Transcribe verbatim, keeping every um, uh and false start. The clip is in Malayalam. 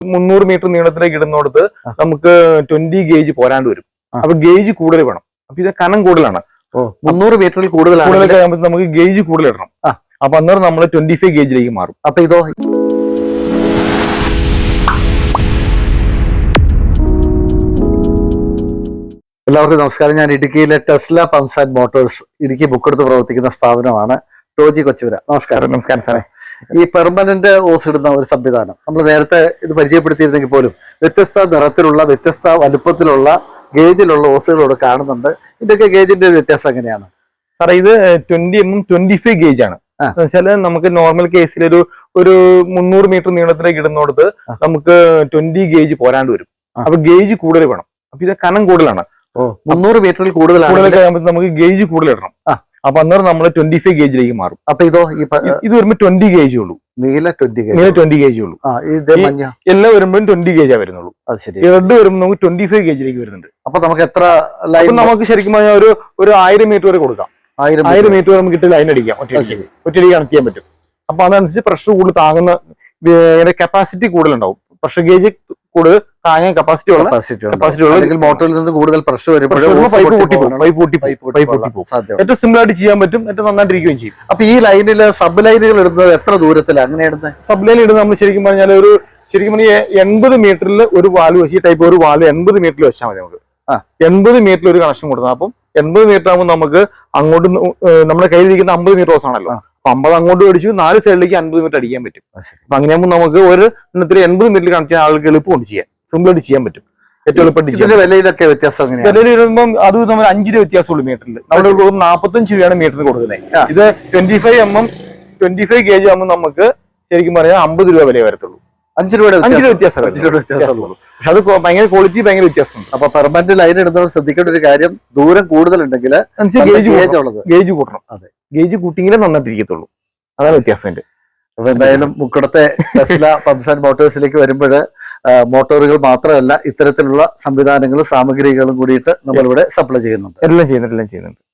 മുന്നൂറ് മീറ്റർ നീളത്തിലേക്ക് ഇടുന്നിടത്ത് നമുക്ക് ട്വന്റി ഗേജ് പോരാണ്ട് വരും. അപ്പൊ ഗേജ് കൂടുതൽ വേണം. അപ്പൊ ഇത് കനം കൂടുതലാണ്. മുന്നൂറ് മീറ്ററിൽ കൂടുതൽ കൂടുതലൊക്കെ നമുക്ക് ഗേജ് കൂടുതൽ ഇടണം. അപ്പൊ അന്നേരം നമ്മൾ ട്വന്റി ഫൈവ് ഗേജിലേക്ക് മാറും. അപ്പൊ ഇതോ എല്ലാവർക്കും നമസ്കാരം. ഞാൻ ഇടുക്കിയിലെ ടെസ്ല പമ്പ്സ് ആൻഡ് മോട്ടോഴ്സ് ഇടുക്കി ബുക്കെടുത്ത് പ്രവർത്തിക്കുന്ന സ്ഥാപനമാണ്. ടോജി കൊച്ചുപുര. നമസ്കാരം. നമസ്കാരം സാറേ. ഈ പെർമനന്റ് ഓസ് ഇടുന്ന ഒരു സംവിധാനം നമ്മൾ നേരത്തെ ഇത് പരിചയപ്പെടുത്തിയിരുന്നെങ്കിൽ പോലും വ്യത്യസ്ത നിറത്തിലുള്ള വ്യത്യസ്ത വലുപ്പത്തിലുള്ള ഗേജിലുള്ള ഓസുകളോട് കാണുന്നുണ്ട്. ഇതൊക്കെ ഗേജിന്റെ ഒരു വ്യത്യാസം എങ്ങനെയാണ് സാറേ? ഇത് twenty M M twenty five gauge ആണ്. വെച്ചാല് നമുക്ക് നോർമൽ കേസിൽ ഒരു ഒരു മുന്നൂറ് മീറ്റർ നീളത്തിലേക്ക് ഇടുന്നിടത്ത് നമുക്ക് ട്വന്റി ഗേജ് പോരാണ്ട് വരും. അപ്പൊ ഗേജ് കൂടുതൽ വേണം. അപ്പൊ ഇത് കനം കൂടുതലാണ്. മുന്നൂറ് മീറ്ററിൽ കൂടുതൽ നമുക്ക് ഗേജ് കൂടുതൽ ഇടണം. അപ്പൊ അന്നേരം നമ്മൾ ട്വന്റി ഫൈവ് ഗേജിലേക്ക് മാറും. അപ്പൊ ഇതോ ഇത് വരുമ്പോ ട്വന്റി ഗേജ് ഉള്ളൂ. നീല ട്വന്റി നീല ട്വന്റി ഗേജ് ഉള്ളൂ. എല്ലാം വരുമ്പോഴും ട്വന്റി ഗേജാ വരുന്നുള്ളൂ. റെഡ് വരുമ്പോൾ നമുക്ക് ട്വന്റി ഫൈവ് ഗേജിലേക്ക് വരുന്നുണ്ട്. അപ്പൊ നമുക്ക് എത്ര ലൈൻ നമുക്ക് ശരിക്കും പറഞ്ഞാൽ ഒരു ഒരു ആയിരം മീറ്റർ വരെ കൊടുക്കാം. ആയിരം ആയിരം മീറ്റർ നമുക്ക് ഇട്ട് ലൈൻ അടിക്കാം. ഒറ്റയടിക്ക് ഒറ്റയടിക്ക് കണക്ട് ചെയ്യാൻ പറ്റും. അപ്പൊ അതനുസരിച്ച് പ്രഷർ കൂടുതൽ താങ്ങുന്ന കപ്പാസിറ്റി കൂടുതലുണ്ടാവും. പ്രഷർ ഗേജ് കൂടുതൽ താങ്ങാൻ കപ്പാസിറ്റി ഉള്ള കപ്പാസിറ്റി ഉള്ള മോട്ടറിൽ നിന്ന് കൂടുതൽ പ്രഷർ വരുമ്പോൾ പൈപ്പ് പൊട്ടിപ്പോകും. പൈപ്പ് പൊട്ടി പൈപ്പ് പൊട്ടിപ്പോകും. ഏറ്റവും സിമ്പിൾ ആയിട്ട് ചെയ്യാൻ പറ്റും. ഏറ്റവും നന്നായിട്ടിരിക്കുകയും ചെയ്യും. അപ്പൊ ഈ ലൈനിൽ സബ് ലൈനുകൾ ഇടുന്നത് എത്ര ദൂരത്തിലാണ് അങ്ങനെ ഇടുന്നത്? സബ് ലൈൻ ഇടുന്നത് നമ്മൾ ശരിക്കും പറഞ്ഞാൽ ഒരു ശരിക്കും പറഞ്ഞാൽ എൺപത് മീറ്ററിൽ ഒരു വാൽവ് വെച്ച് ഈ ടൈപ്പ് ഒരു വാൽവ് എൺപത് മീറ്ററിൽ വെച്ചാൽ മതി. നമുക്ക് എൺപത് മീറ്ററിൽ ഒരു കണക്ഷൻ കൊടുക്കണം. അപ്പം എൺപത് മീറ്റർ ആകുമ്പോൾ നമുക്ക് അങ്ങോട്ട് നമ്മുടെ കയ്യിലിരിക്കുന്ന അമ്പത് മീറ്റർ ഹോസ് ആണല്ലോ. അപ്പൊ അമ്പത് അങ്ങോട്ട് മേടിച്ചു നാല് സൈഡിലേക്ക് അൻപത് മീറ്റർ അടിക്കാൻ പറ്റും. അപ്പൊ അങ്ങനെയാകുമ്പോൾ നമുക്ക് ഒരു എണ്ണത്തിൽ എൺപത് മീറ്ററിൽ കണക്ട് ചെയ്യാൻ ആൾക്ക് എളുപ്പം കൊണ്ട് ചെയ്യാം. സിമ്പിൾ ആയിട്ട് ചെയ്യാൻ പറ്റും. ഏറ്റവും എളുപ്പമായിട്ട് വിലയിലൊക്കെ വ്യത്യാസം വിലയിൽ വരുമ്പോൾ അത് നമ്മൾ അഞ്ച് രൂപ വ്യത്യാസമുള്ളൂ മീറ്ററിൽ. നമ്മൾ നാൽപ്പത്തഞ്ച് രൂപയാണ് മീറ്ററിന് കൊടുക്കുന്നത്. ഇത് twenty five M M twenty five gauge ആകുമ്പോൾ നമുക്ക് ശരിക്കും പറയാൻ അമ്പത് രൂപ വില വരത്തുള്ളൂ. അഞ്ച് രൂപയുടെ അഞ്ച് രൂപ വ്യത്യാസം വ്യത്യാസമുള്ളൂ. പക്ഷെ അത് ഭയങ്കര ക്വാളിറ്റി ഭയങ്കര വ്യത്യാസമുണ്ട്. അപ്പൊ പെർമനന്റ് ലൈൻ ഇടുന്നവർ ശ്രദ്ധിക്കേണ്ട ഒരു കാര്യം, ദൂരം കൂടുതലുണ്ടെങ്കിൽ ഗേജ് കൂട്ടണം. അതെ, ഗേജ് കൂട്ടിയെങ്കിലേ നന്നായിട്ടിരിക്കത്തുള്ളൂ. അതാണ് വ്യത്യാസം. അപ്പൊ എന്തായാലും മുക്കടത്തെ ടെസ്ല പമ്പ്സ് ആൻഡ് മോട്ടോഴ്സിലേക്ക് വരുമ്പോൾ മോട്ടോറുകൾ മാത്രമല്ല ഇത്തരത്തിലുള്ള സംവിധാനങ്ങളും സാമഗ്രികളും കൂടിയിട്ട് നമ്മളിവിടെ സപ്ലൈ ചെയ്യുന്നുണ്ട്. എല്ലാം ചെയ്യുന്നുണ്ട് എല്ലാം ചെയ്യുന്നുണ്ട്